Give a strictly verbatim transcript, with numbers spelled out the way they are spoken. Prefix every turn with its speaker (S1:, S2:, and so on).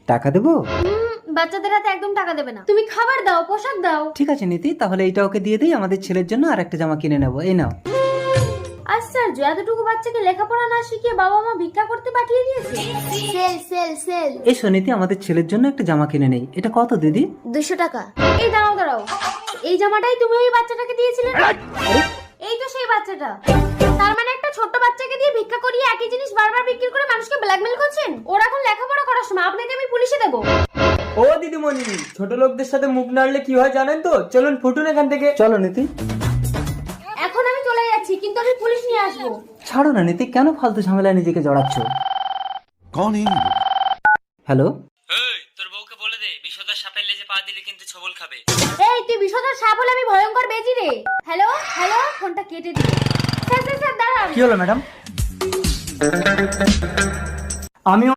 S1: টাকা দেবো?
S2: হুম, বাচ্চাদের হাতে একদম টাকা দেবে না, তুমি খাবার দাও, পোশাক দাও।
S1: ঠিক আছে নীতি, তাহলে এইটা ওকে দিয়ে দিই, আমাদের ছেলের জন্য আর একটা জামা কিনে নেবো। এই নাও।
S2: আশ্চর্য, এতটুকু বাচ্চাকে লেখাপড়া না শিখিয়ে বাবা মা ভিক্ষা করতে পাঠিয়ে দিয়েছে। Sale sale sale.
S1: এসো নীতি, আমাদের ছেলের জন্য একটা জামা কিনে নেই। এটা কত দিদি?
S2: দুশো টাকা। এই দাঁড়াও দাঁড়াও, এই জামাটাই তুমি ওই বাচ্চাটাকে দিয়েছিলে না? এই তো সেই বাচ্চাটা। তার মানে একটা ছোট্ট বাচ্চাকে দিয়ে ভিক্ষা করিয়ে একই জিনিস বারবার বিক্রি করে মানুষকে ব্ল্যাকমেল করছেন। ওরা এখন লেখাপড়া করার সময়, আপনাকে আমি পুলিশে দেবো।
S3: ও দিদিমণি, ছোট লোকদের সাথে মুখ নাড়লে কি হয় জানেন তো? চলুন ফুটুন এখান থেকে।
S1: চলো নীতি।
S2: এখন আমি চলে যাচ্ছি, কিন্তু আমি পুলিশ নিয়ে আসবো।
S1: ছাড়ো না নীতি, কেন ফালতু ঝামেলায় নিজেকে জড়াচ্ছ?
S4: कौन है ये लोग?
S1: হ্যালো।
S3: এই তোর বউকে বলে দে, বিষধর সাপের লেজে পা দিলে কিন্তু ছবল খাবে।
S2: এই তুই বিষধর সাপ হলে আমি ভয়ঙ্কর বেজি রে। হ্যালো হ্যালো, ফোনটা কেটে দিল। স্যার স্যার স্যার দাঁড়ান।
S1: কি হলো ম্যাডাম? আমি